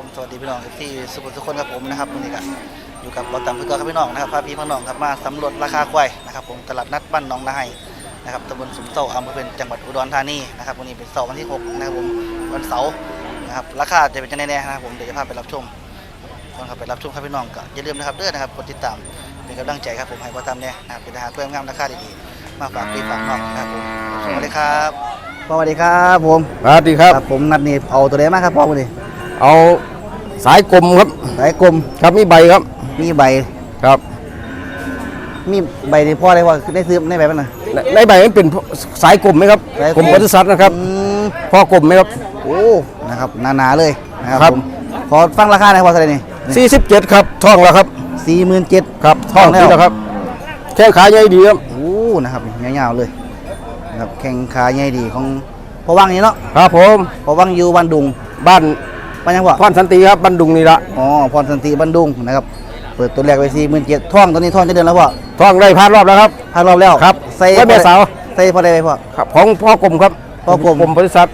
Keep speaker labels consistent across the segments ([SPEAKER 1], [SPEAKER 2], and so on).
[SPEAKER 1] สวัสดีพี่น้องที่สุขุมทุกคนครับผมนะครับวันนี้ก็อยู่กับเราตามเพื่อนครับพี่น้องนะครับพาพี่น้องครับมาสำรวจราคาควายนะครับผมตลาดนัดบ้านหนองนาไฮนะครับตำบลสุมเต้าอำเภอเป็นจังหวัดอุดรธานีนะครับวันนี้เป็นเสาร์วันที่6นะครับผมวันเสาร์นะครับราคาจะเป็นยังไงแน่นะครับผมเดี๋ยวจะพาไปรับชมก่อนครับไปรับชมครับพี่น้องก็อย่าลืมนะครับเด้อนะครับกดติดตามเป็นกำลังใจครับผมให้เราตามเนี่ยนะครับเป็นทหารเพื่อนงามราคาดีๆมาฝากพี่ฝากน้องนะครับผมสวัสดีครับสวัสดีครับผม
[SPEAKER 2] สวัสดีครับ
[SPEAKER 1] ผมนัดนี่เอาตัวไหนมาครับพ่อวันนี้
[SPEAKER 2] เอาสายกลมครับ
[SPEAKER 1] สายกลม
[SPEAKER 2] ครับมีใบครับ
[SPEAKER 1] มีใบ
[SPEAKER 2] ครับ
[SPEAKER 1] มีใบในพ่อได้ว่าได้ซื้อในใบมันนะ
[SPEAKER 2] ในใบมันเป็นสายกลมไหมครับ
[SPEAKER 1] สายกลม
[SPEAKER 2] กลมปศุสัตว์นะครับพ่อกลมไหมครับ
[SPEAKER 1] โอ้นะครับหนาๆเลยนะครับ
[SPEAKER 2] ครับ
[SPEAKER 1] ผมขอฟังราคาหน่อยพอสักนี่
[SPEAKER 2] 47ครับท้องแล้วครับ
[SPEAKER 1] 47,000
[SPEAKER 2] ครับท้องนี่แล้วครับแข้งขาใหญ่ดีครับ
[SPEAKER 1] โอ้นะครับยาวๆเลยนะครับแข่งขาใหญ่ดีของพ่อวังนี่เนาะ
[SPEAKER 2] ครับผม
[SPEAKER 1] พ่อวังอยู่บ้านดุง
[SPEAKER 2] บ้าน
[SPEAKER 1] บ้านยังพ่อ
[SPEAKER 2] พรสันติครับบ้านดุงนี่ละ
[SPEAKER 1] อ๋อพรสันติบ้านดุงนะครับเปิดตัวแรกไว้47,000ท่องตัวนี้ท่องจะเดือนแล้วพ่อ
[SPEAKER 2] ท้องได้ผ่านรอบแล้วครับ
[SPEAKER 1] ผ่านรอบแล้ว
[SPEAKER 2] ครับ
[SPEAKER 1] ใส่
[SPEAKER 2] ไว้แม่สาว
[SPEAKER 1] ใส่พอได้ไหมพ่อ
[SPEAKER 2] ครับของพ่อกลมครับ
[SPEAKER 1] พ่อกลม
[SPEAKER 2] กลมปศุสัตว์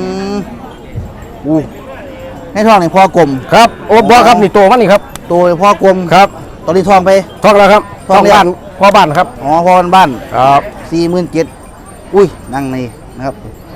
[SPEAKER 1] อู้ให้ท่องนี่พ่อกลม
[SPEAKER 2] ครับโอ้บ่ครับนี่โตมันนี่ครับ
[SPEAKER 1] ตัวพ่อกลม
[SPEAKER 2] ครับ
[SPEAKER 1] ตอนนี้ท่องไป
[SPEAKER 2] ท้องแล้วครับ
[SPEAKER 1] ท้องแล้ว
[SPEAKER 2] บ้านพ่อบ้านครับ
[SPEAKER 1] อ๋อพ่อบ้าน
[SPEAKER 2] ครับ
[SPEAKER 1] 47,000อุ้ยนั่งในนะครับ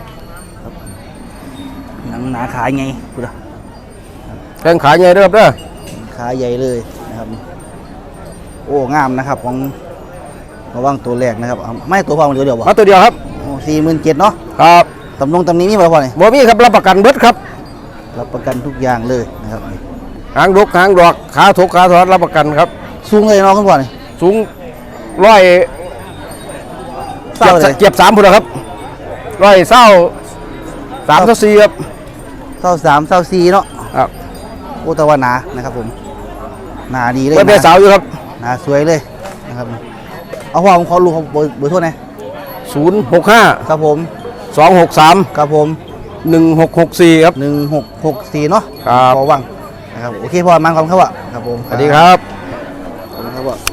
[SPEAKER 1] หนังหนาขาไงพูดอะ
[SPEAKER 2] แข้งขาใหญ่เด้อครับเด้อ
[SPEAKER 1] ขาใหญ่เลยนะครับโอ้งามนะครับของระวังตัวแรกนะครับเอาไม่ตัวพอมันเดียวบ่
[SPEAKER 2] มาตัวเดียวครับ
[SPEAKER 1] 47,000เนาะ
[SPEAKER 2] ครับ
[SPEAKER 1] ตำนี้มีบ่พอนี่
[SPEAKER 2] บ่มีครับรับประกันเบิดครับ
[SPEAKER 1] รับประกันทุกอย่างเลยนะครับ
[SPEAKER 2] หางดกหางดอกขาถกขาถอดรับประกันครับ
[SPEAKER 1] สูงเลยเนาะคุณพ่อนี่
[SPEAKER 2] สูงร้อย
[SPEAKER 1] เศร้าเลย
[SPEAKER 2] เจ็บ3พุ่นครับร้อยเศร้า3-4ครับ
[SPEAKER 1] 23 24เนาะ
[SPEAKER 2] ครับ
[SPEAKER 1] โอ้ตะวันหนานะครับผมหนาดีเลย
[SPEAKER 2] เปิดเป็นสาวอยู่ครับ
[SPEAKER 1] หนาสวยเลยนะครับเอาพ่อผมขอรู้เขาเบอร์โทษนะ
[SPEAKER 2] 065
[SPEAKER 1] ครับผม
[SPEAKER 2] 263
[SPEAKER 1] ครับผม
[SPEAKER 2] 1664ครับ
[SPEAKER 1] 1664เนาะ
[SPEAKER 2] ครับ
[SPEAKER 1] พอวังนะครับโอเคพอมันความเขาอะครับผม
[SPEAKER 2] สวัสดีครับ
[SPEAKER 1] ครับผม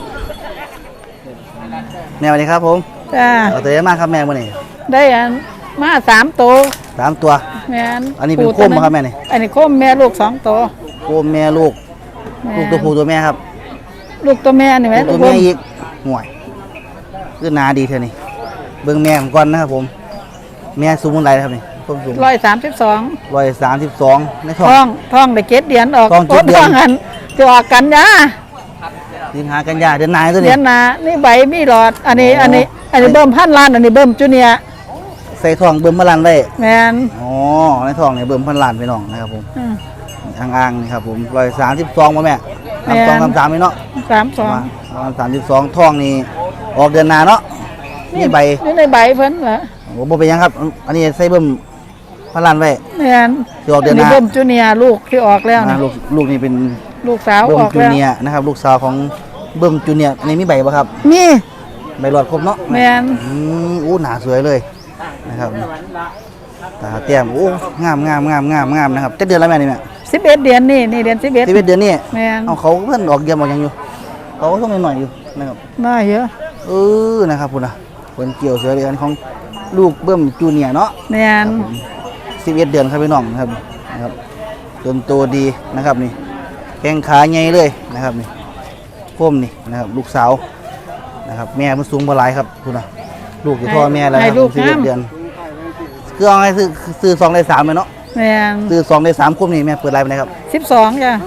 [SPEAKER 1] แม่สวัสดีครับผม
[SPEAKER 3] จ้า
[SPEAKER 1] เอาตัวเยอะมากครับแม่มื่อนี้
[SPEAKER 3] ได้อันมา3 ตัว
[SPEAKER 1] 3 ตัว
[SPEAKER 3] แม่น
[SPEAKER 1] อันนี้เป็น
[SPEAKER 3] ปู่
[SPEAKER 1] โคมบ่ครับแม่นี่
[SPEAKER 3] อันนี้โคมแม่ลูก2 ตัว
[SPEAKER 1] โคมแม่ลูก
[SPEAKER 3] แม่
[SPEAKER 1] ลูกตัวผู้ตัวแม่ครับ
[SPEAKER 3] ลูกตัวแม่นี่แม่
[SPEAKER 1] ลูกตัวแม่อีกห่วยคือหนาดีเท่านี้เบิ่งแม่ผมก่อนนะครับผมแม่สูงเท่าไหร่ครับนี่ต้นสูง
[SPEAKER 3] 132
[SPEAKER 1] 132ในท้อง
[SPEAKER 3] ท้องได้7 เดือนออก
[SPEAKER 1] ท้อง7 เดือน
[SPEAKER 3] ท้องอันจะออกกันยา
[SPEAKER 1] สิงหากันยาเดือนหนายตัว
[SPEAKER 3] เดื
[SPEAKER 1] นี้
[SPEAKER 3] อนหน้านี่ใบมีหลอดอันนี้เบิ่มพันล้านอันนี้เบิ่มจูเนียร์
[SPEAKER 1] ใส่ท้องเบิ่มพลันไว้
[SPEAKER 3] แม่น
[SPEAKER 1] อ๋อในท้องเนี่ยเบิ่มพันล้านไปน้องนะครับผม
[SPEAKER 3] อืม
[SPEAKER 1] อ่างๆนี่ครับผม132บ่แม่
[SPEAKER 3] แม่
[SPEAKER 1] 33นี่เนาะ
[SPEAKER 3] 32
[SPEAKER 1] 32ท้องนี่ออกเดือนหน้าเนาะนี่ใบ
[SPEAKER 3] อยู่ในใบเพิ่นเหรอ
[SPEAKER 1] โอ้บ่เป็นหยังครับ อันนี้ใส่เบิ่มพลันไว้
[SPEAKER 3] แม่น
[SPEAKER 1] ที่ออกเดือนหน้า
[SPEAKER 3] เบิ่มจูเนียร์ลูกที่ออกแล้ว
[SPEAKER 1] นะ
[SPEAKER 3] นะ
[SPEAKER 1] ลูกนี่เป็น
[SPEAKER 3] ลูกสาว
[SPEAKER 1] เบิ่
[SPEAKER 3] อ
[SPEAKER 1] ม
[SPEAKER 3] อก
[SPEAKER 1] จู
[SPEAKER 3] แล้ว
[SPEAKER 1] เนียร์นะครับลูกสาวของเบิ่มจูเนียร์อันนี้มีใบบ่ครับ
[SPEAKER 3] มี
[SPEAKER 1] ใบหลอดครบเนาะ
[SPEAKER 3] แม่น
[SPEAKER 1] อู้หนาสวยเลยนะครับตาเตี้ยมโอ้งามนะครับจะเดือนแล้วแม่นี่แม่
[SPEAKER 3] 11 เดือนนี่เดือน11
[SPEAKER 1] 11เดือนนี้
[SPEAKER 3] แม่น
[SPEAKER 1] เอาเขาเพิ่นออกเยี่ยมออกหยังอยู่เขาต้องหน่อยๆอยู่นะครับ
[SPEAKER 3] น่าเยอะ
[SPEAKER 1] นะครับพุ่นน่ะเพิ่นเกี่ยวเสือเดือนของลูกเบิ่มจูเนียร์เนาะ
[SPEAKER 3] แม่น
[SPEAKER 1] 11 เดือนครับพี่น้องนะครับจนโตดีนะครับนี่แข้งขาใหญ่เลยนะครับนี่โคมนี่นะครับลูกสาวนะครับแม่มันสูงบ่หลายครับพุ่นน่ะลูกอยู่พ่อแม่แล้วนะครับ11 เดือนคือเอาให้ซื้อ2ได้3เลยเนาะ
[SPEAKER 3] แม่น
[SPEAKER 1] ซื้อ2ได้3โคมนี่แม่เปิดไลน์ไปไหนครับ
[SPEAKER 3] 12จ้ะ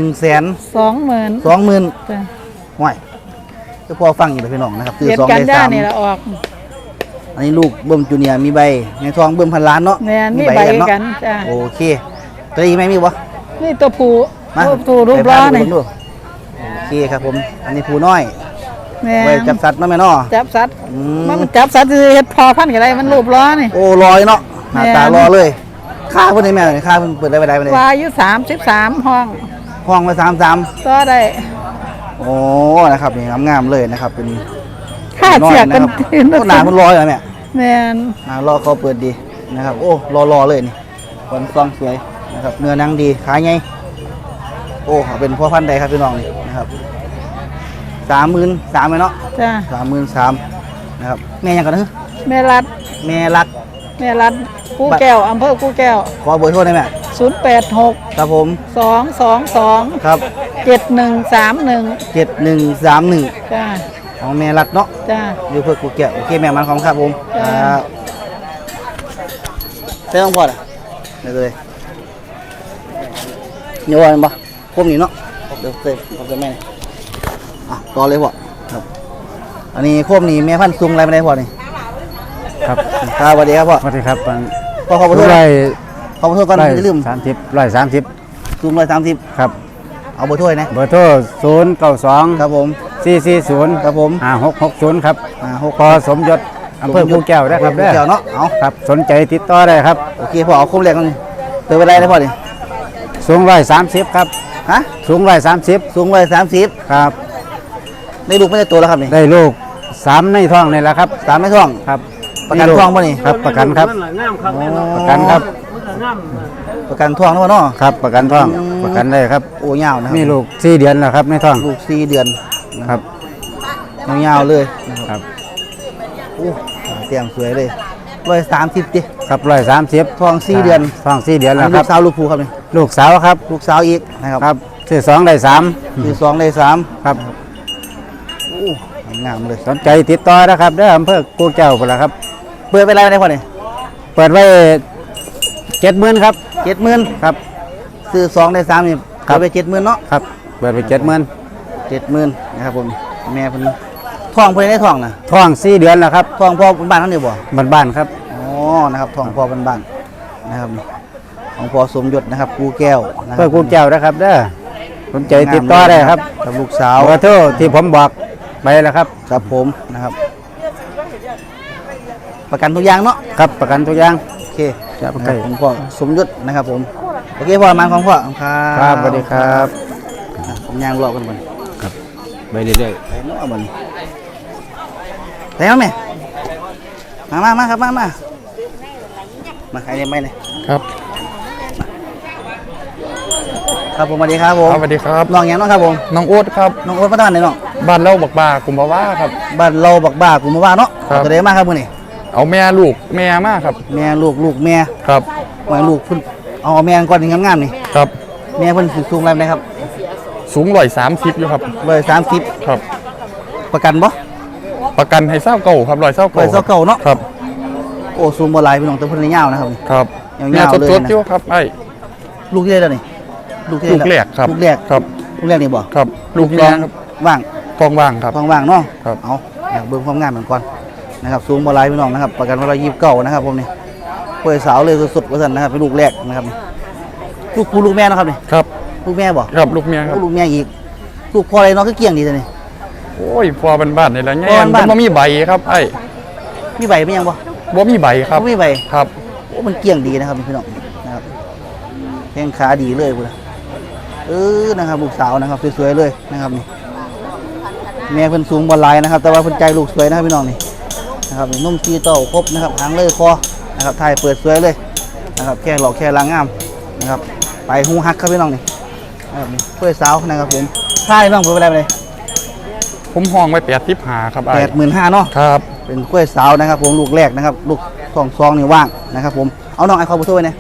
[SPEAKER 1] 120,000
[SPEAKER 3] 20,000
[SPEAKER 1] 20,000
[SPEAKER 3] จ้ะ
[SPEAKER 1] ห่วยคือพอฟังอยู่เลยพี่น้องนะครับซื้อ
[SPEAKER 3] เดือน
[SPEAKER 1] 2
[SPEAKER 3] กัน
[SPEAKER 1] ได้
[SPEAKER 3] ยานี่ละออก
[SPEAKER 1] 3อันนี้ลูกเบิ่มจูเนียร์มีใบในทองเบิ่มพันล้านเนาะ
[SPEAKER 3] แม่นมีใบ
[SPEAKER 1] เนาะ
[SPEAKER 3] กันจ้ะ
[SPEAKER 1] โอเคตัวนี้ไหมมีบ่
[SPEAKER 3] นี่ตัวผู้
[SPEAKER 1] มา
[SPEAKER 3] ตัวรูป
[SPEAKER 1] ไป
[SPEAKER 3] ล้อ
[SPEAKER 1] พา
[SPEAKER 3] นี่
[SPEAKER 1] ดูโอเคครับผมอันนี้ผู้น้อย
[SPEAKER 3] แม่
[SPEAKER 1] ไว้
[SPEAKER 3] น
[SPEAKER 1] จับสัตว์เนาะแม่เนาะ
[SPEAKER 3] จับสัตว์
[SPEAKER 1] อื
[SPEAKER 3] มันจับสัตว์สิเฮ็ดพอพันธุ์ก็ได้มันรูปล้อนี่
[SPEAKER 1] โอ้ลอยเนาะหน้า
[SPEAKER 3] แม่
[SPEAKER 1] ตารอเลยค่าเพิ่นได้แม่ค่าเพิ่นเปิดได้ไปได้ไปได้
[SPEAKER 3] วาอายุ33ห้อง
[SPEAKER 1] ห้องไว้33
[SPEAKER 3] ต่อได้
[SPEAKER 1] โอ้นะครับนี่งามๆเลยนะครับเป็น
[SPEAKER 3] ค่าเสียกัน
[SPEAKER 1] โอ้หนาเพิ่นลอยเหรอแม่
[SPEAKER 3] แม่น
[SPEAKER 1] รอเขาเปิดดีนะครับโอ้รอเลยนี่คนซองสวยนะครับเนื้อหนังดีขายไงโอ้เป็นพ่อพันธุ์ใดครับพี่น้องนี่นะครับ33,000เลยเนาะ
[SPEAKER 3] จ้ะ
[SPEAKER 1] 33,000นะครับแม่ยังกันนะ
[SPEAKER 3] แม่รัด
[SPEAKER 1] แม่รัก
[SPEAKER 3] แม่รัดกูแก้วอำเภอกูแก้ว
[SPEAKER 1] ขอเบอร์โทรได้ไหม
[SPEAKER 3] 086
[SPEAKER 1] ครับผม
[SPEAKER 3] 222
[SPEAKER 1] ครับ
[SPEAKER 3] 7131
[SPEAKER 1] 7131
[SPEAKER 3] จ้า
[SPEAKER 1] ของแม่รัดเนาะ
[SPEAKER 3] จ้า
[SPEAKER 1] อยู่เพื่อกูแก้วโอเคแม่มันของครับผม
[SPEAKER 3] จ้า
[SPEAKER 1] ครับเต้ต้องพอดอ่ะเดี๋ยวเลยเดี๋ยววันบ่คมนี่เนาะเดี๋ยวเต้ผมจะแม่นี่อ่ะต่อเลยพ่อครับอันนี้โคมนี่แม่พันธุ์ซุงอะไรไม่ได้พ่อนี่
[SPEAKER 2] ครับ
[SPEAKER 1] ครับสวัสดีครับพ่อ
[SPEAKER 2] สวัสดีครับ
[SPEAKER 1] พ่อขอบคุณ
[SPEAKER 2] ร้อย
[SPEAKER 1] ขอบคุณก่อนจะลืม
[SPEAKER 2] 30
[SPEAKER 1] ซุง130
[SPEAKER 2] ครับ
[SPEAKER 1] เอาเบอร์ถ้วยนะ
[SPEAKER 2] เบอร์โทร092
[SPEAKER 1] ครับผม
[SPEAKER 2] 440
[SPEAKER 1] ครับผม
[SPEAKER 2] 5660ครับ
[SPEAKER 1] 6
[SPEAKER 2] พอสมยศอำเภอภูแก้วนะครับ
[SPEAKER 1] เกี่ยวเนาะเอา
[SPEAKER 2] ครับสนใจติดต่อได้ครับ
[SPEAKER 1] โอเคพ่อเอาโคมแรกกันเติมไปได้เลยพ่อนี่
[SPEAKER 2] สูง130ครับ
[SPEAKER 1] ฮะ
[SPEAKER 2] สูง130
[SPEAKER 1] สูง130
[SPEAKER 2] ครับ
[SPEAKER 1] ได้ลูกไม่ได้ตัวแล้วครับนี่
[SPEAKER 2] ได้ลูก3ในท้องนี่แหละครับ
[SPEAKER 1] ตามไม่ท่อง
[SPEAKER 2] ครับ
[SPEAKER 1] ประกันท้องป่ะนี่
[SPEAKER 2] ครับประกันครับ ประกันครับ
[SPEAKER 1] ประกันท้องนะพ่อเนาะ
[SPEAKER 2] ครับประกันท้อง
[SPEAKER 1] อืม
[SPEAKER 2] ประกันได้ครับ
[SPEAKER 1] โอ้ยาวนะครับ
[SPEAKER 2] มีลูก4 เดือนแล้วครับในท้อง
[SPEAKER 1] ลูก4 เดือนนะครับ ยาวๆเลยนะครับ
[SPEAKER 2] ครับ
[SPEAKER 1] โอ้เตรียมสวยเลย130ดิ
[SPEAKER 2] ครับ130
[SPEAKER 1] ท้อง4 เดือน
[SPEAKER 2] ท้อง4 เดือนแล้ว
[SPEAKER 1] ลู
[SPEAKER 2] ครั
[SPEAKER 1] ก
[SPEAKER 2] บ
[SPEAKER 1] สาวลูกผู้ครับนี่
[SPEAKER 2] ลูกสาวครับ
[SPEAKER 1] ลูกสาวอีกนะครับ
[SPEAKER 2] ครับซื้อ2ได้3
[SPEAKER 1] คือ2ได้3
[SPEAKER 2] ครับ
[SPEAKER 1] โอ้งามเลย
[SPEAKER 2] สนใจติดต่อนะครับเด้ออำเภอกูแก้วพุ่นล่ะครับ
[SPEAKER 1] เปิดไปไรได้พ่อนี่
[SPEAKER 2] เปิดไว้70,000ครับ
[SPEAKER 1] 70,000
[SPEAKER 2] ครับ
[SPEAKER 1] ซื้อ2ได้3นี่
[SPEAKER 2] ครับ
[SPEAKER 1] เปิดไป70,000เนาะ
[SPEAKER 2] ครับเปิดไป70,000
[SPEAKER 1] 70,000นะครับผมแม่เพิ่นท้องเพิ่นได้ท้องนะ
[SPEAKER 2] ท้อง4 เดือนแล้วครับ
[SPEAKER 1] ท้องพ่อบ้านเขาเนี่ยบ่
[SPEAKER 2] บ้านๆครับ
[SPEAKER 1] อ๋อนะครับท้องพ่อบ้านๆนะครับของพ่อสมยศนะครับกูแก้วนะค
[SPEAKER 2] เพื่
[SPEAKER 1] รั
[SPEAKER 2] อบ กูแก้วนะครับเด้อสนใจติดต่อได้ครับ
[SPEAKER 1] กับลูกสาว
[SPEAKER 2] เบอร์โทรที่ผมบอกไปแล้วครับ
[SPEAKER 1] กับผมนะครับ ประกันทุกอย่างเนาะ
[SPEAKER 2] ครับประกันทุกอย่าง
[SPEAKER 1] โอเค
[SPEAKER 2] ครับ
[SPEAKER 1] นะครับผมพ่อสมยศนะครับผมโอเคพ่อมาของพ่อครับ
[SPEAKER 2] ครับสวัสดีครับ
[SPEAKER 1] ผมย่างรอกันบ่น
[SPEAKER 2] ไปเรื่อย
[SPEAKER 1] ไปเนาะบ่นไปเอาแม่มาครับมาใครเนี่ยไม่เนี่ย
[SPEAKER 4] ครับ
[SPEAKER 1] ครับผมสวัสดีครับผม
[SPEAKER 4] สวัสดีครับ
[SPEAKER 1] น้องหยังเนาะครับผม
[SPEAKER 4] น้องโอ๊ตครับ
[SPEAKER 1] น้องโอ๊ตมาตั้งไหนน้อง
[SPEAKER 4] บ้านเล่าบักบากุมภาวะครับ
[SPEAKER 1] บ้านเราบักบ้ากูมาว่าเนาะ
[SPEAKER 4] ครับ
[SPEAKER 1] ตัวใดมาครับมื้อนี้
[SPEAKER 4] เอาแม่ลูกแม่มากครับ
[SPEAKER 1] แม่ลูกแม่
[SPEAKER 4] ครับ
[SPEAKER 1] หมายลูกเพิ่นเอาแม่ก่อนนี่งามๆนี่
[SPEAKER 4] ครับ
[SPEAKER 1] แม่เพิ่นสูงอะไรนะครับ
[SPEAKER 4] สูง130อยู่ครับ
[SPEAKER 1] 130
[SPEAKER 4] ครับ
[SPEAKER 1] ประกันบ่
[SPEAKER 4] ประกันให้เศร้าเก่าครับ100เศร้าเก่า
[SPEAKER 1] 129เนาะ
[SPEAKER 4] ครับ
[SPEAKER 1] โอ้สูงบ่หลายพี่น้องแต่เพิ่นยาวนะครับ
[SPEAKER 4] ครับ
[SPEAKER 1] ยาวๆ
[SPEAKER 4] แม่
[SPEAKER 1] เลยนะ
[SPEAKER 4] สดๆอยู่ครับไอ้
[SPEAKER 1] ลูกที่ได้แล้วนี่ลูกที่
[SPEAKER 4] ลู
[SPEAKER 1] ได้
[SPEAKER 4] กแรกครับ
[SPEAKER 1] ลูกแรก
[SPEAKER 4] ครับ
[SPEAKER 1] ลูกแรกนี่บ่
[SPEAKER 4] ครับ ลูก
[SPEAKER 1] ส
[SPEAKER 4] แม่
[SPEAKER 1] อง
[SPEAKER 4] ครับ
[SPEAKER 1] ว่าง
[SPEAKER 4] ท้องว่างครับ
[SPEAKER 1] ท้องว่างเนาะ
[SPEAKER 4] ครับ
[SPEAKER 1] เอาอยากเบิ่งความงามเหมือนก่อนนะครับสูงบ่หลายพี่น้องนะครับประกันว่า129นะครับผมนี่ป่วยสาวเลยสุดๆว่าซั่นนะครับเป็นลูกแรกนะครับนี่ลูกผู้ลูกแม่เนาะครับนี่
[SPEAKER 4] ครับ
[SPEAKER 1] ลูกแม่บ่
[SPEAKER 4] ครับลูกแม่ครับ
[SPEAKER 1] ลูกแม่อีกลูกพ่ออะไรเนาะคือเกี่ยงดีจังนี่
[SPEAKER 4] โอ้ยพอบ้านๆนี่แหละ
[SPEAKER 1] พ
[SPEAKER 4] แง่
[SPEAKER 1] อบ้านๆ
[SPEAKER 4] มันบ่มีใบครับไอ้
[SPEAKER 1] มีใบเป็นยังบ่
[SPEAKER 4] บ่มีใบครับ
[SPEAKER 1] มีใบ
[SPEAKER 4] ครับ
[SPEAKER 1] โอ้มันเกี่ยงดีนะครับพี่น้องนะครับแข้งขาดีเลยพุ่นน่ะนะครับลูกสาวนะครับสวยๆเลยนะครับนี่แม่เพิ่นสูงบ่หลายนะครับ แต่ว่าเพิ่นใจลูกสวยนะครับพี่น้องนี่นะครับนี่นุ่มซีเต้าครบนะครับหางเลยคอนะครับถ่ายเปิดสวยเลยนะครับแค่หลอกแค่ลางงามนะครับไปหูฮักครับพี่น้องนี่นะครับนี่เพื่อสาวนะครับผมถ่ายน้องเปิดไปได้เลย
[SPEAKER 4] ผมห้องไว้85ครับไอ้
[SPEAKER 1] 85,000เนาะ
[SPEAKER 4] ครับ
[SPEAKER 1] เป็นกล้วยสาวนะครับผมลูกแรกนะครับลูกซองนี่ว่างนะครับผมเอาน้องไอคอนผู้ช่วยเนี่ย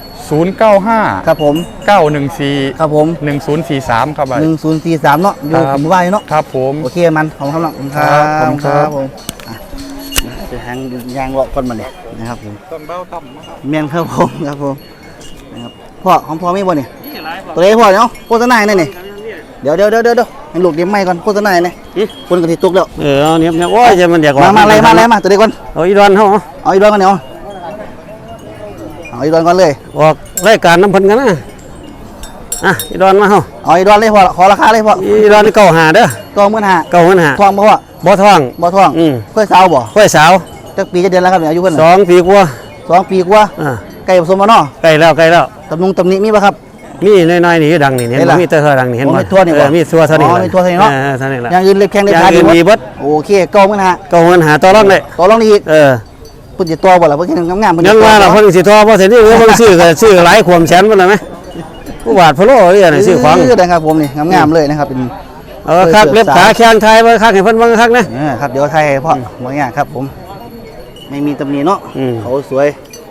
[SPEAKER 4] 095
[SPEAKER 1] ครับผม
[SPEAKER 4] 914
[SPEAKER 1] ครับผม
[SPEAKER 4] 1043ครับไอ้
[SPEAKER 1] 1043เนาะอยู่
[SPEAKER 4] ครับ
[SPEAKER 1] ผมว่าอยู่เนาะ
[SPEAKER 4] ครับผม
[SPEAKER 1] โอเคมันขอบคุณครับน้องครั
[SPEAKER 4] ครับ บครับ
[SPEAKER 1] ผมอ่ะจะหางยางเลาะก้นมาเนี่ยนะครับผม
[SPEAKER 4] ต้นเบ้าต่ำครับ
[SPEAKER 1] เมียนครับผมครับผมนะครับพ่อของพ่อไม่บ่เนี่ยตัวเล็กพ่อเนาะโฆษณาเนี่ยนี่เดี๋ยวให้ลูกเดี๋ยวไม่ก่อนโฆษณาเนี่ยคนกระติตุกแล้ว
[SPEAKER 2] เนี่ยโอ้ยจะมันอยาก
[SPEAKER 1] มาอะไรมาตัวเด็กก่อน
[SPEAKER 2] เอาอีดอนเฮา
[SPEAKER 1] เอาอีกดอนก่อนเนาะเอาอีกดอนก่อนเลย
[SPEAKER 2] ออกรายการน้ำเพิ่นกันนะอีดอนมาเฮา
[SPEAKER 1] เอาอีกดอนเลยพ่อขอราคาเลยพ่อ
[SPEAKER 2] อีดอนเก่าหาเด้อ
[SPEAKER 1] 25,000
[SPEAKER 2] เก่าหา
[SPEAKER 1] ทองบ่พ่อ
[SPEAKER 2] บ่ท้อง
[SPEAKER 1] บ่ทอง
[SPEAKER 2] อืม
[SPEAKER 1] กล้วยสาวบ่
[SPEAKER 2] ค่อยสาว
[SPEAKER 1] จักปีจะเดือนแล้วครับเนี่ยอายุเพิ่นน่ะ
[SPEAKER 2] 2 ปีกว่า
[SPEAKER 1] 2 ปีกว่า
[SPEAKER 2] อ่า
[SPEAKER 1] ไก่ผสมมาเนาะ
[SPEAKER 2] ใกล้แล้ว
[SPEAKER 1] ตำหนิมีป่ะครับ
[SPEAKER 2] มีน้อยๆนี่ดังนี่เห็น
[SPEAKER 1] เห็น
[SPEAKER 2] บ่
[SPEAKER 1] ล่ะ
[SPEAKER 2] มีแต่เท่าดังนี่เห็น
[SPEAKER 1] อ๋อ
[SPEAKER 2] บ่
[SPEAKER 1] มีทั่วนี่บ่
[SPEAKER 2] มีทั่วเท่านี้
[SPEAKER 1] อ๋อมีทั่วเท่านี้เนาะ
[SPEAKER 2] เท่านี้ล่ะ
[SPEAKER 1] อย่างอื่นเล็บแข้งเล็บ
[SPEAKER 2] อย่า
[SPEAKER 1] ขาง
[SPEAKER 2] อื่น
[SPEAKER 1] ดี
[SPEAKER 2] มี
[SPEAKER 1] หม
[SPEAKER 2] เบิ
[SPEAKER 1] ด
[SPEAKER 2] ด
[SPEAKER 1] โอเคเก่ามื้อนะฮะ
[SPEAKER 2] เก่าเงินหาต่อรองได้
[SPEAKER 1] ต่อรองนี่อีก
[SPEAKER 2] เออ
[SPEAKER 1] เพิ่นสิตัวบ่ล่ะเพิ่นงามๆเพิ่น
[SPEAKER 2] ยังว่าล่ะเพิ่นสิต่อบ่เสร็จนี่เพิ่นซื้อหลายขวมแสนพุ่นล่ะมั้ยผู้บาทพะโล้นี่น่ะซื้อของ
[SPEAKER 1] นะครับผมนี่งามๆเลยนะครับเป็น
[SPEAKER 2] เออครับเล็บขาแข้งไทยบ่คักให้เพิ่นเบิ่งคักนะ
[SPEAKER 1] ครับเดี๋ยวไทยให้พ่อบ่ยากครับผม ไม่มีตำหนิเนาะ
[SPEAKER 2] อืม
[SPEAKER 1] เขาสวย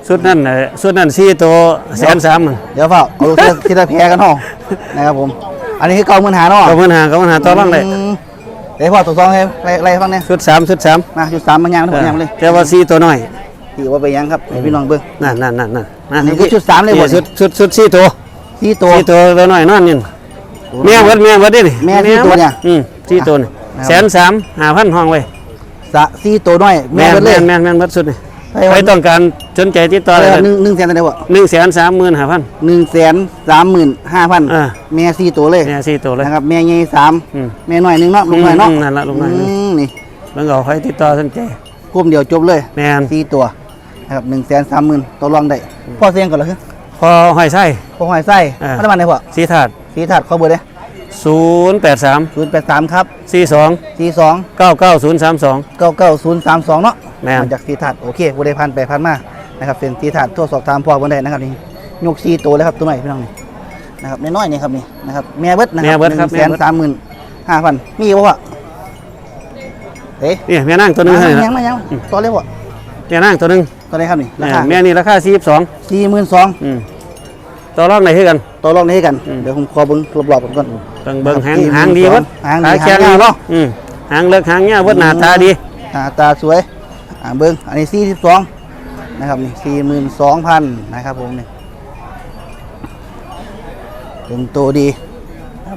[SPEAKER 2] สุดนั่นน่ะสุดนั่น4ตัว130,000มัน
[SPEAKER 1] เดี๋ยวเฝ้าเอาลูกที่ละแพ้กันเนาะนะครับผมอันนี้คือ95,000เนาะ
[SPEAKER 2] ก็มันหาต่อรองได้
[SPEAKER 1] เดี๋ยวพ่อตัวซองให้ไล่ฟังเนี่ย
[SPEAKER 2] ชุด3
[SPEAKER 1] มาจุด3มันยังทั้งหมดยังเลย
[SPEAKER 2] แต่ว่า4ตัวน้อย
[SPEAKER 1] ที่ว่าไปยังครับให้พี่น้องเบิ่ง
[SPEAKER 2] นั่น
[SPEAKER 1] นี่คือชุด3เลยบ่
[SPEAKER 2] ชุด4ตัว
[SPEAKER 1] 4ตัว
[SPEAKER 2] 4ตัวน้อยนอนนี่แม่เบิดเด้นี่
[SPEAKER 1] แม่4ตัวเนี่ย
[SPEAKER 2] 4ตัวนี่
[SPEAKER 1] นะครับ
[SPEAKER 2] 135,000ห้องไว้
[SPEAKER 1] 4ตัวน้อยแม่เบิดเลย
[SPEAKER 2] แม่นเบิดสุดนี่
[SPEAKER 1] ใครว่า
[SPEAKER 2] ใครต้องการสนใจติดต่อเลย
[SPEAKER 1] 1แสนเท่าไหร่บ่
[SPEAKER 2] 135,000
[SPEAKER 1] 135,000
[SPEAKER 2] อ่า
[SPEAKER 1] แม่4ตัวเลย
[SPEAKER 2] แม่4ตัวเลย
[SPEAKER 1] นะครับแม่ใหญ่
[SPEAKER 2] อืม
[SPEAKER 1] 3แม่น้อย1เนาะลูกน้อยเนาะ
[SPEAKER 2] นั่นละลูกน้อย
[SPEAKER 1] นี่
[SPEAKER 2] แล้วก็ใครติดต่อสนใจ
[SPEAKER 1] กลุ่มเดียวจบเลย
[SPEAKER 2] แม่น
[SPEAKER 1] 4ตัวนะครับ130,000ตัวรองได้พ่อเสียงก่อนเหรอคือ
[SPEAKER 2] พอหอยไส้
[SPEAKER 1] พ่อหอยไส้
[SPEAKER 2] อ่า
[SPEAKER 1] พัฒนาไหนพ่อ
[SPEAKER 2] สีถาด
[SPEAKER 1] สีถาดเขาเบอร์เด้
[SPEAKER 2] 083
[SPEAKER 1] 083ครับ
[SPEAKER 2] 42
[SPEAKER 1] 42
[SPEAKER 2] 99032
[SPEAKER 1] 99032เนาะ
[SPEAKER 2] แม่น
[SPEAKER 1] มาจากสีถาดโอเคบ่ได้พันไปพันมานะครับเป็นสีถาดโทรสอบถามพ่อบ่ได้นะครับนี่ยก4ตัวเลยครับตัวใหม่พี่น้องนี่นะครับน้อยๆนี่ครับนี่นะครับแม่เบิดนะค
[SPEAKER 2] แม่
[SPEAKER 1] รับ
[SPEAKER 2] เบิดครับแม่เบิด
[SPEAKER 1] 135,000มีบ่พ่อเอ๊ะ
[SPEAKER 2] นี่แม่นั่งตัวหนึงให้
[SPEAKER 1] ยั
[SPEAKER 2] ละ
[SPEAKER 1] งมายังต่อเลยพ่อ
[SPEAKER 2] แม่นั่งตัวหนึง
[SPEAKER 1] ตัวไหนครับนี่ราคา
[SPEAKER 2] แม่นี่ราคา42
[SPEAKER 1] 42,000
[SPEAKER 2] ต่อรองได้คือกัน
[SPEAKER 1] ต่อรองได้กัน
[SPEAKER 2] อืม
[SPEAKER 1] เดี๋ยวผมขอเบิ่งรอบๆก่อน
[SPEAKER 2] เบิ่ง
[SPEAKER 1] ครับ
[SPEAKER 2] หางดีเบิด
[SPEAKER 1] หางดี
[SPEAKER 2] ขาแข็ง
[SPEAKER 1] หางยาวเนาะ
[SPEAKER 2] หางเลิกหางเงี้ยเบิดหน้าตาดี
[SPEAKER 1] ตาสวยเบิ้งอันนี้42นะครับนี่42,000นะครับผมนี่เป็นตัวดีครับ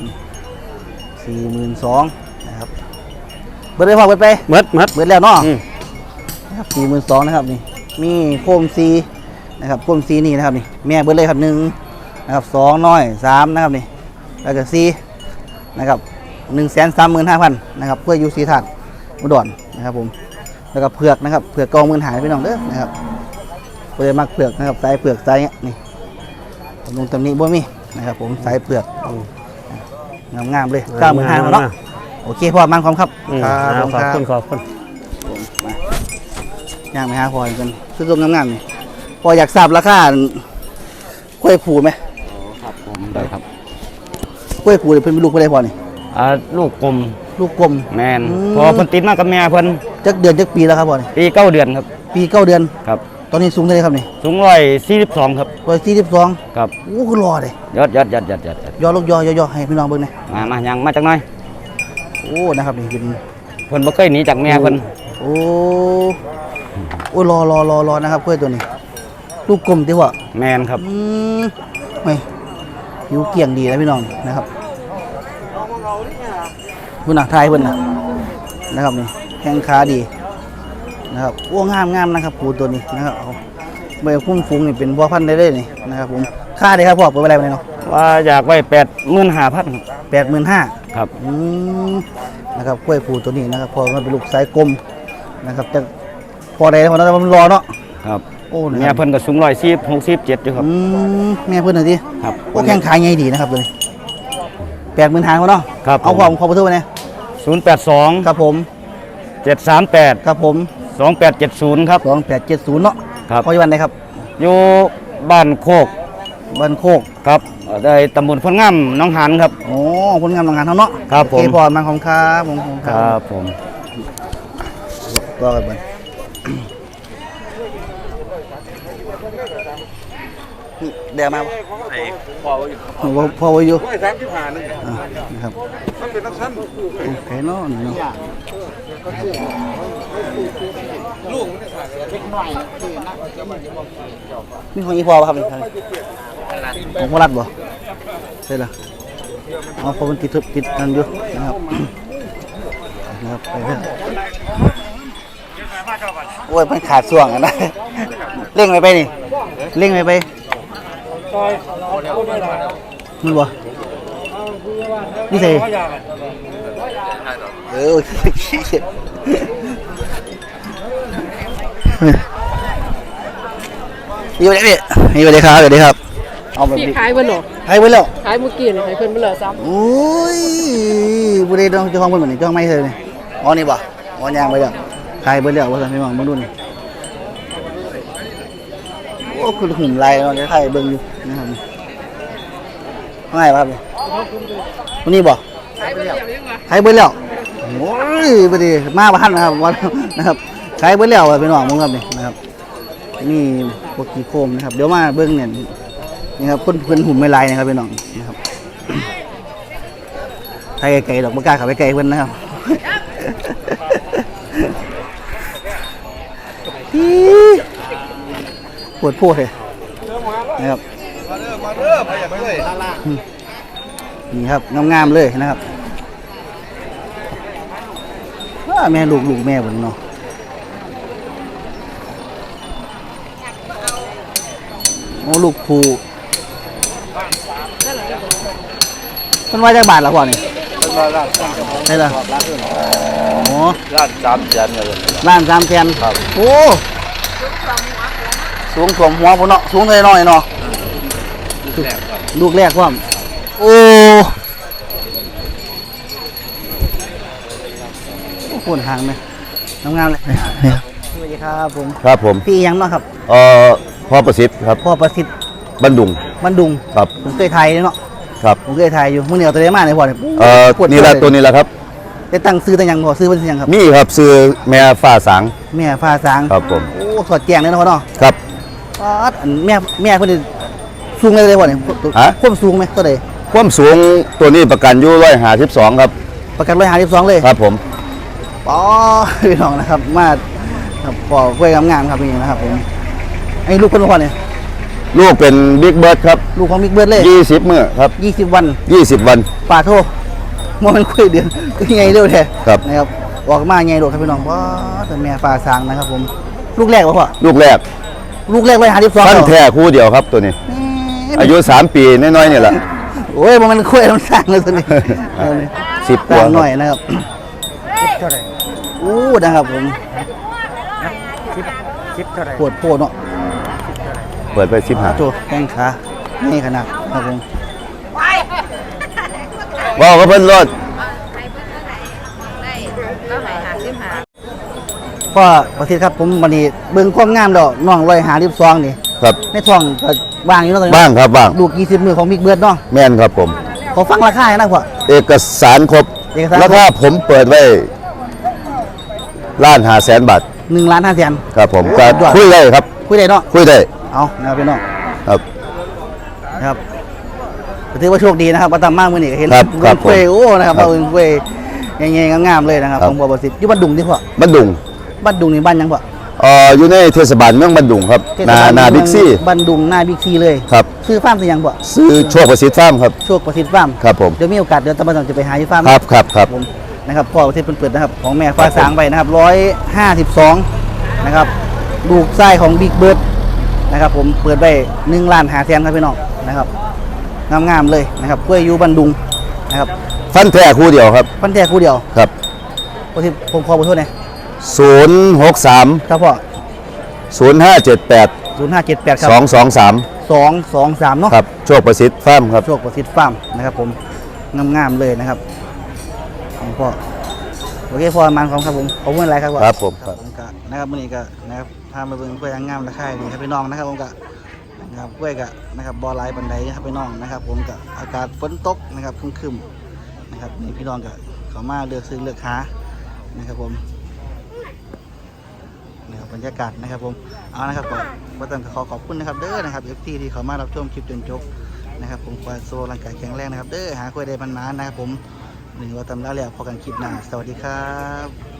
[SPEAKER 1] 42,000นะครับเบิดได้พอเบิดไป
[SPEAKER 2] เบิด
[SPEAKER 1] เบิดแล้วเนาะ
[SPEAKER 2] อืม
[SPEAKER 1] นะครับ42,000นะครับนี่มีโคมซีนะครับโคมซีนี่นะครับนี่แม่เบิดเลยครับ1นะครับ2น้อย3นะครับนี่แล้วก็4นะครับ135,000นะครับเพื่ออยู่สีถาดอุดรนะครับผมแล้วก็เผือกนะครับเผือกกองมือหายไปน้องเด้อนะครับเพื่อมักเผือกนะครับสายเผือกสายเนี้ยนี่ลงตำหนิบ่มีนะครับผมสายเผือกงามๆเลย95,000เนาะโอเคพ่อมันความครับ
[SPEAKER 2] ขอบคุณ
[SPEAKER 1] มาย่างไปหาพ่อกันซื้อตัวงามๆนี่พ่ออยากทราบราคากล้วยผูไหม
[SPEAKER 5] ครับผมได้ครับ
[SPEAKER 1] กล้วยผูนี่เพิ่นเป็นลูกเพิ่นได้พ่อนี่
[SPEAKER 5] ลูกกลม
[SPEAKER 1] ลูกกลม
[SPEAKER 5] แมน
[SPEAKER 1] อืม
[SPEAKER 5] พอเพิ่นติดมากับแม่เพิ่น
[SPEAKER 1] จักเดือนจักปีแล้วครับพ่อนี่
[SPEAKER 5] ปี9เดือนครับ
[SPEAKER 1] ปี9เดือน
[SPEAKER 5] ครับ
[SPEAKER 1] ตอนนี้สูงเท่าไหร่ครับนี่
[SPEAKER 5] สูง142ครับ
[SPEAKER 1] 142
[SPEAKER 5] ครับ
[SPEAKER 1] โอ้คือรอเลย
[SPEAKER 5] ยอด
[SPEAKER 1] ย่อลูกย่อให้พี่น้องเบิ่งหน่อย
[SPEAKER 5] มายังมาจากหน้อย
[SPEAKER 1] โอ้นะครับนี่เป็น
[SPEAKER 5] เพิ่นบ่เคยหนีจากแม่เพิ่น
[SPEAKER 1] โอ้โอ้รอนะครับกล้วยตัวนี้ ลูกกลมติว่า
[SPEAKER 5] แมนครับ
[SPEAKER 1] ไม่ผิวเกี่ยงดีนะพี่น้องนะครับผู้หนักไทยเพิ่นนะครับนี่แข้งขาดีนะครับโอ้งามนะครับปูตัวนี้นะครับเอาใบพุ่มฟุ้งนี่เป็นบัวพันธุ์ได้เลยนี่นะครับผมค่าได้ครับพ่อเปิดไปอะไรไปเนาะ
[SPEAKER 5] ว่าอยากไว้85,000ครับ
[SPEAKER 1] 85,000
[SPEAKER 5] ครับ
[SPEAKER 1] นะครับกล้วยปูตัวนี้นะครับพอมันเป็นลูกสายกลมนะครับจะพอได้แล้วพอนั้นมันรอเนาะ
[SPEAKER 5] ครับ
[SPEAKER 1] โอ้นะ
[SPEAKER 5] แม่
[SPEAKER 1] ครับ
[SPEAKER 5] เพิ่นก็สูง167อยู่ครับ
[SPEAKER 1] แม่เพื่อนหน่อยดิ
[SPEAKER 5] ครับ
[SPEAKER 1] โอ้แข้งขาใหญ่ดีนะครับตัวนี้85,000เขาเนาะ
[SPEAKER 5] ครับ
[SPEAKER 1] เอาความขอประตูไปเนี่ย
[SPEAKER 5] 082
[SPEAKER 1] ครับผม
[SPEAKER 5] 738
[SPEAKER 1] ครับผม
[SPEAKER 5] 2870ครับ
[SPEAKER 1] 2870เนาะ
[SPEAKER 5] ครับ
[SPEAKER 1] พออยู่วันไหนครับ
[SPEAKER 5] อยู่บ้านโคก
[SPEAKER 1] บ้านโคก
[SPEAKER 5] ครับได้ตำบลพลงามหน้องหานครับ
[SPEAKER 1] โอ้คนงานโรงงานเขาเนาะ
[SPEAKER 5] ครับผม
[SPEAKER 1] โอเคพอมาของครับผมของ
[SPEAKER 5] ครับผม
[SPEAKER 1] ก็กันเบิ่งเดี๋ยวมาบ่พอไว้อยู่นะครับโอเคเนาะนี่เนาะนี่ของอีพอป่ะครับนี่ของโมรัดบ่ใช่ละอ๋อเพราะมันติดนั่นอยู่นะครับนะครับไปเถอะโอ้ยมันขาดส่วงอะนะเร่งไปนี่เร่งไปมันบ่นี่ใส่โอเคอยู่ไหนพี่อยู่ไหนครับอยู่ไหนครับเอาแบบ
[SPEAKER 3] พี่
[SPEAKER 1] นี้
[SPEAKER 3] ขายเบิ่นหรอ
[SPEAKER 1] ให้ไว้แล้ว
[SPEAKER 3] ขายเมื่อกี้นี่ให้เพิ่นเบิ่นเหลือซ้ำ
[SPEAKER 1] โอ้ยบุรีต้องเจ้าของเพิ่นเหมือนนี่เจ้าของไม่เลยนี่อ๋อนี่บ่อ๋อยางไปแล้วขายไปแล้วว่าซั่นพี่น้องมาดูนี่โอ้คือหุ่มลายเนาะเดี๋ยวถ่ายเบิ่งอยู่นะครับง่ายป่ะครับวันนี้บ่
[SPEAKER 3] ขายเบิ่นแล้วยังวะ
[SPEAKER 1] ขายไปแล้วโอ้ยบ่ดีมาบ้านนะครับวันนะครับขายไปแล้วพี่น้องมึงครับนี่นะครับนี่พวกขี้โคมนะครับเดี๋ยวมาเบิ้งเนี่ยนี่ครับเพิ่นหุ่มไม่ลายนะครับพี่น้องนะครับไทยไก่ดอกมะกาขับไปไก่เพิ่นนะครับปวดโพดเลยนะครับนี่ครับงามๆเลยนะครับแม่ลูกแม่บนเนาะโอ้ลูกผูมันว่าจากบาทละพ่อนี่ได้ละโอ้ล้าน300,000เลยล้าน300,000ครับโอ้สูงถ่วมหัวพุ่นเนาะสูงเลยน้อยเนาะลูกแรกว่าโอ้ปวดหางไหมงามๆเลยสวัสดีครับผม
[SPEAKER 2] ครับผม
[SPEAKER 1] พี่ยังเนาะครับ
[SPEAKER 2] พ่อประสิทธิ์ครับ
[SPEAKER 1] พ่อประสิทธิ์
[SPEAKER 2] บันดุง
[SPEAKER 1] บันดุง
[SPEAKER 2] ครับ
[SPEAKER 1] ผมเคยไทยเนาะ
[SPEAKER 2] ครับ
[SPEAKER 1] ผมเคยไทยอยู่มื้อเหนียวตัวเดียวมาเลยพ่อเนี่ย
[SPEAKER 2] นี่ละตัวนี้ละครับ
[SPEAKER 1] ได้ตั้งซื้อตั้งยังพ่อซื้อเป็นยังครับ
[SPEAKER 2] มีครับซื้อแม่ฟ้าสาง
[SPEAKER 1] แม่ฟ้าสาง
[SPEAKER 2] ครับผม
[SPEAKER 1] โอ้สอดแจงเลยนะพ่อเนาะ
[SPEAKER 2] ครับ
[SPEAKER 1] อันแม่เพิ่นนี่สูงเลยพ่อเนี่ย
[SPEAKER 2] ฮะ
[SPEAKER 1] ความสูงไหมตัวใด
[SPEAKER 2] ความสูงตัวนี้ประกันอยู่152ครับ
[SPEAKER 1] ประกัน152เลย
[SPEAKER 2] ครับผม
[SPEAKER 1] ป๋อพี่น้องนะครับมาครับพ่อกล้วยงามๆครับนี่นะครับผมไอ้ลูกคนพ่อเนี่ย
[SPEAKER 2] ลูกเป็นบิ๊กเบิร์ดครับ
[SPEAKER 1] ลูกของบิ๊กเบิร์ดเลย
[SPEAKER 2] 20มื้อครับ
[SPEAKER 1] 20 วัน
[SPEAKER 2] 20 วัน
[SPEAKER 1] ป่าโทมันคุยเดือนก็ไงเร็วแท้
[SPEAKER 2] ครับ
[SPEAKER 1] นะครับออกมาไงโดดครับพี่น้องว้าแต่แม่ฟ้าสางนะครับผมลูกแรกวะพ่อ
[SPEAKER 2] ลูกแรก
[SPEAKER 1] ลูกแรก152
[SPEAKER 2] ฟันแท้คู่เดียวครับตัวนี้ อายุ3 ปีน้อยๆนี่แหละ
[SPEAKER 1] โอ้ยมันคุยมันสร้างเลยตัวนี้
[SPEAKER 2] 10
[SPEAKER 1] สร้างหน่อยนะครับอู้นะครับผมปวดโพดเนาะ
[SPEAKER 2] เปิดไป15
[SPEAKER 1] โจแข้งขานี่ขนาดครับผม
[SPEAKER 2] ว้าวก็เพิ่นรถ
[SPEAKER 1] พ่อประสิทธิ์ครับผมวันนี้เบิ่งความงามดอกน้อง152นี่
[SPEAKER 2] ครับ
[SPEAKER 1] ในท้องก็ว่างอยู่เนาะตอนนี้
[SPEAKER 2] บ้างครับบ้าง
[SPEAKER 1] ลูก20มือของบิ๊กเบิร์ดเนาะ
[SPEAKER 2] แม่นครับผม
[SPEAKER 1] ขอฟังราคาให้นะพ่อ
[SPEAKER 2] เอกสารครบ
[SPEAKER 1] เอกสารครบ
[SPEAKER 2] แล้วถ้าผมเปิดไว้1,500,000 บาท
[SPEAKER 1] 1,500,000
[SPEAKER 2] ครับผม
[SPEAKER 1] โอ้
[SPEAKER 2] ก็
[SPEAKER 1] สุดยอด
[SPEAKER 2] คุยได้ครับ
[SPEAKER 1] คุยได้เนาะ
[SPEAKER 2] คุยได้
[SPEAKER 1] เอานะครับพี่น้อง
[SPEAKER 2] ครับ
[SPEAKER 1] นะครับก็ถือว่าโชคดีนะครับมาตามมากมื้อนี้ก็เห็น
[SPEAKER 2] ครับครับ
[SPEAKER 1] เกล้วยโอ้นะครับ
[SPEAKER 2] ครับ
[SPEAKER 1] เอาเกล้วยใหญ่ๆงามๆเลยนะครับ
[SPEAKER 2] ครับ
[SPEAKER 1] ของบ่อประสิทธิ์อยู่บ้านดุงที่พ่อ
[SPEAKER 2] บันดุง
[SPEAKER 1] บ้านดุงนี่บ้านยังพ่อ
[SPEAKER 2] อยู่ในเทศบาลเมืองบันดุงครับ
[SPEAKER 1] เทศบล
[SPEAKER 2] นาบิ๊กซี่
[SPEAKER 1] บ้านดุงหน้าบิ๊กซีเลย
[SPEAKER 2] ครับ
[SPEAKER 1] ซื้อฟาร์มสิยังพ่อ
[SPEAKER 2] ซื้อโชคประสิทธิ์ฟาร์มครับ
[SPEAKER 1] โชคประสิทธิ์ฟาร์ม
[SPEAKER 2] ครับผม
[SPEAKER 1] เดี๋ยวมีโอกาสเดี๋ยวตำรวจจะไปหาที่ฟาร์ม
[SPEAKER 2] ครับครับครับ
[SPEAKER 1] ผมนะครับพ่อประสิทธิ์เปิดนะครับของแม่ฟ้าสางไปนะครับ152นะครับลูกไส้ของบิ๊กเบิร์ดนะครับผมเปิดไป1,500,000ครับพี่น้องนะครับงามๆเลยนะครับกล้วยอยู่บ้านดุงนะครับ
[SPEAKER 2] ฟันแท้คู่เดียวครับ
[SPEAKER 1] ฟันแท้คู่เดียว
[SPEAKER 2] ครับ
[SPEAKER 1] ผมขอโทษนะ
[SPEAKER 2] 063
[SPEAKER 1] ครับพ่อ
[SPEAKER 2] 0578
[SPEAKER 1] 0578ครับ
[SPEAKER 2] 223
[SPEAKER 1] 223เนาะ
[SPEAKER 2] ครับโชคประสิทธิ์ฟาร์มครับ
[SPEAKER 1] โชคประสิทธิ์ฟาร์มนะครับผมงามๆเลยนะครับของพ่อโอเคพ่อมันของครับผมขอบคุณอะไรครับพ่อ
[SPEAKER 2] ครับผมครับ
[SPEAKER 1] ผมก็นะครับมื้อนี้ก็นะครับพามาเบิ่งกล้วยงามราคาดีครับพี่น้องนะครับผมก็นะครับกล้วยก็นะครับบ่หลายปานใดครับพี่น้องนะครับ ผมก็อากาศฝนตกนะครับครึมๆนะครับนี่พี่น้องก็เข้ามาเลือกซื้อเลือกหานะครับผมนะครับบรรยากาศนะครับผมเอานะครับก็ต้องขอขอบคุณนะครับเด้อนะครับ FT ที่เข้ามารับชมคลิปจนจบนะครับผมขอให้โซ่ร่างกายแข็งแรงนะครับเด้อหากล้วยได้มันๆนะครับผมหนึ่งว่าตำราแล้วพอกันคลิปหน้าสวัสดีครับ